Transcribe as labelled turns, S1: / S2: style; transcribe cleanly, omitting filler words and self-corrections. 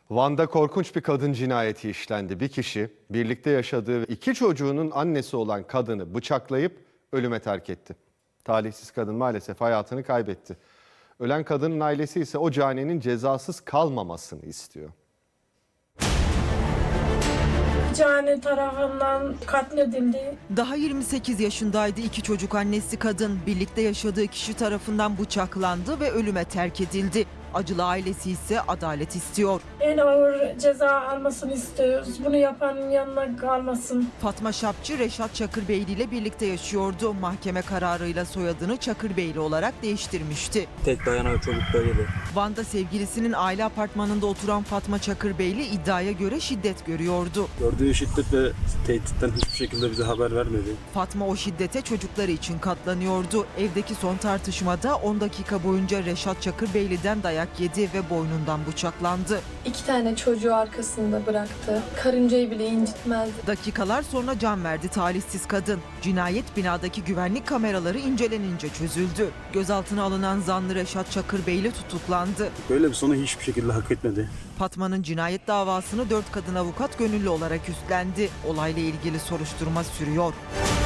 S1: Van'da korkunç bir kadın cinayeti işlendi. Bir kişi birlikte yaşadığı ve 2 çocuğunun annesi olan kadını bıçaklayıp ölüme terk etti. Talihsiz kadın maalesef hayatını kaybetti. Ölen kadının ailesi ise o caninin cezasız kalmamasını istiyor.
S2: Cani tarafından katledildi.
S3: Daha 28 yaşındaydı, 2 çocuk annesi kadın. Birlikte yaşadığı kişi tarafından bıçaklandı ve ölüme terk edildi. Acılı ailesi ise adalet istiyor.
S2: En ağır ceza almasını istiyoruz. Bunu yapanın yanına kalmasın.
S3: Fatma Şapçı, Reşat Çakırbeyli ile birlikte yaşıyordu. Mahkeme kararıyla soyadını Çakırbeyli olarak değiştirmişti.
S4: Tek dayanan çocuklarıydı.
S3: Van'da sevgilisinin aile apartmanında oturan Fatma Çakırbeyli iddiaya göre şiddet görüyordu.
S4: Gördüğü şiddet ve tehditten hiçbir şekilde bize haber vermedi.
S3: Fatma o şiddete çocukları için katlanıyordu. Evdeki son tartışmada 10 dakika boyunca Reşat Çakırbeyli'den dayak yedi ve boynundan bıçaklandı.
S5: 2 tane çocuğu arkasında bıraktı. Karıncayı bile incitmezdi.
S3: Dakikalar sonra can verdi talihsiz kadın. Cinayet binadaki güvenlik kameraları incelenince çözüldü. Gözaltına alınan zanlı Reşat Çakırbeyli tutuklandı.
S4: Böyle bir sonu hiçbir şekilde hak etmedi.
S3: Fatma'nın cinayet davasını 4 kadın avukat gönüllü olarak üstlendi. Olayla ilgili soruşturma sürüyor.